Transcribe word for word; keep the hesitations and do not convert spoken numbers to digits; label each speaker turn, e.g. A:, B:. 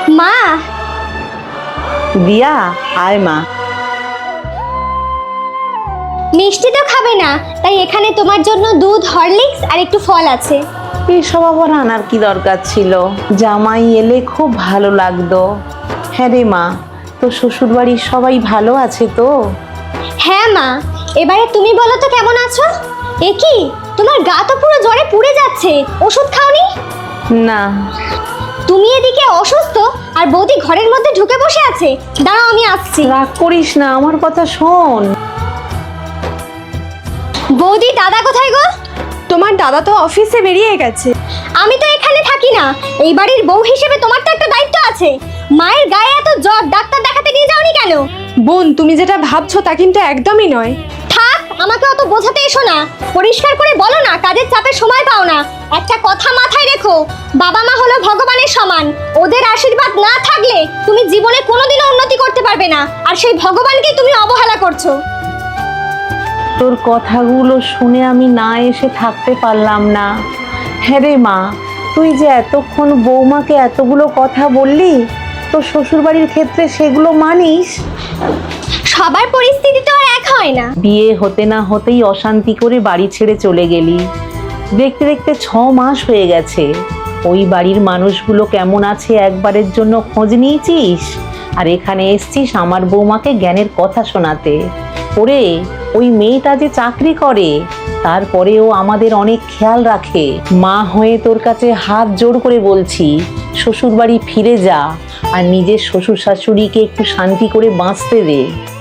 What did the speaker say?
A: মা,
B: দিয়া আয় মা।
A: মিষ্টি তো খাবে না, তাই এখানে তোমার জন্য দুধ, হরলিক্স আর একটু ফল আছে।
B: এসব আবার আনার কি দরকার ছিল? জামাই এলে খুব ভালো লাগতো। হ্যাঁ রে মা, তো শ্বশুর বাড়ির সবাই ভালো আছে তো?
A: হ্যাঁ মা, এবারে তুমি বলো তো কেমন আছো? এ কি, তোমার গা তো পুরো জ্বরে পুড়ে যাচ্ছে, ওষুধ খাওনি?
B: না।
A: তুমি এদিকে অসুস্থ আর বৌদি ঘরের মধ্যে ঢুকে বসে আছে। দাঁড়াও, আমি আসছি।
B: রাগ করিস না, আমার কথা শোন।
A: বৌদি, দাদা কোথায় গো?
C: তোমার দাদা তো অফিসে বেরিয়ে গেছে।
A: আমি তো এখানে থাকি না, এই বাড়ির বউ হিসেবে তোমার তো একটা দায়িত্ব আছে। মায়ের গায়ে এত জ্বর, ডাক্তার দেখাতে নিয়ে যাওনি কেন?
C: বোন, তুমি যেটা ভাবছো তা কিন্তু একদমই নয়।
A: থাক, আমাকে অত বোঝাতে এসো না। পরিষ্কার করে বলো না, কাজের চাপে সময় পাও না। একটা কথা মাথায় রেখো, বাবা মা হলো ভগবানের সমান। ওদের আশীর্বাদ না থাকলে তুমি জীবনে কোনোদিনও উন্নতি করতে পারবে না, আর সেই ভগবানকেই তুমি অবহেলা করছো।
B: তোর কথাগুলো শুনে আমি না এসে থাকতে পারলাম না। হ্যাঁ রে মা, তুই যে এতক্ষণ বৌমাকে এতগুলো কথা বললি, তোর শ্বশুরবাড়ির ক্ষেত্রে সেগুলো মানিস?
A: সবার পরিস্থিতি তো আর এক হয় না।
B: বিয়ে হতে না হতেই অশান্তি করে বাড়ি ছেড়ে চলে গেলি। দেখতে দেখতে ছ মাস হয়ে গেছে। ওই বাড়ির মানুষগুলো কেমন আছে একবারের জন্য খোঁজ নিয়েছিস? আর এখানে এসছিস আমার বৌমাকে জ্ঞানের কথা শোনাতে। ওরে, ওই মেয়েটা যে চাকরি করে, তারপরেও আমাদের অনেক খেয়াল রাখে। মা হয়ে তোর কাছে হাত জোড় করে বলছি, শ্বশুর বাড়ি ফিরে যা আর নিজের শ্বশুর শাশুড়িকে একটু শান্তি করে বাঁচতে দে।